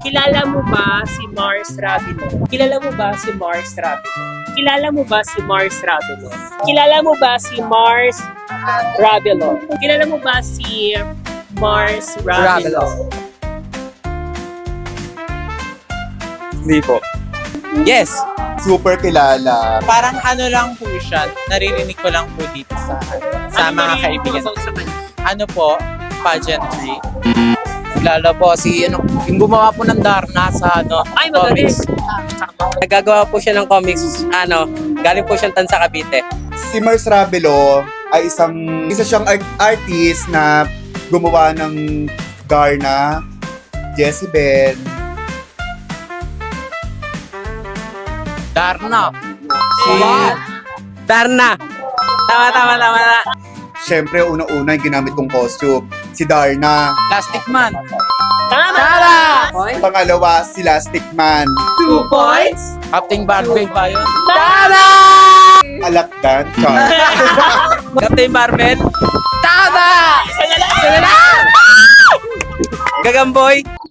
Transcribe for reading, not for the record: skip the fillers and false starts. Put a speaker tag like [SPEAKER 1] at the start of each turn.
[SPEAKER 1] Kilala mo ba si Mars Ravilo? Kilala mo ba si Mars Ravilo? Kilala mo ba si Mars Ravilo? Kilala mo ba si Mars Ravilo? Kilala mo ba si Mars Ravilo?
[SPEAKER 2] Hindi po. Yes!
[SPEAKER 3] Super kilala.
[SPEAKER 2] Parang ano lang po siya, naririnig ko lang po dito sa mga kaibigan. Ano po, pageantry.
[SPEAKER 4] Lalo po si yung gumawa po ng Darna sa
[SPEAKER 1] Ay, magaling.
[SPEAKER 4] comics. Nagagawa po siya ng comics, galing po siyang Tansa Cavite.
[SPEAKER 3] Si Mars Ravilo ay isa siyang artist na gumawa ng Darna, Jezebel.
[SPEAKER 4] Darna. Darna. Tama.
[SPEAKER 3] Siyempre, una-una yung ginamit kong costume, si Darna.
[SPEAKER 4] Plastic Man.
[SPEAKER 1] Tama!
[SPEAKER 3] Pangalawa, si Lastic Man.
[SPEAKER 1] 2 points.
[SPEAKER 4] Captain Barbell ba yun?
[SPEAKER 1] Tama!
[SPEAKER 3] Alakdan, Char.
[SPEAKER 4] Captain Barbell? Tama!
[SPEAKER 1] Isa na lang!
[SPEAKER 4] Gagamboy?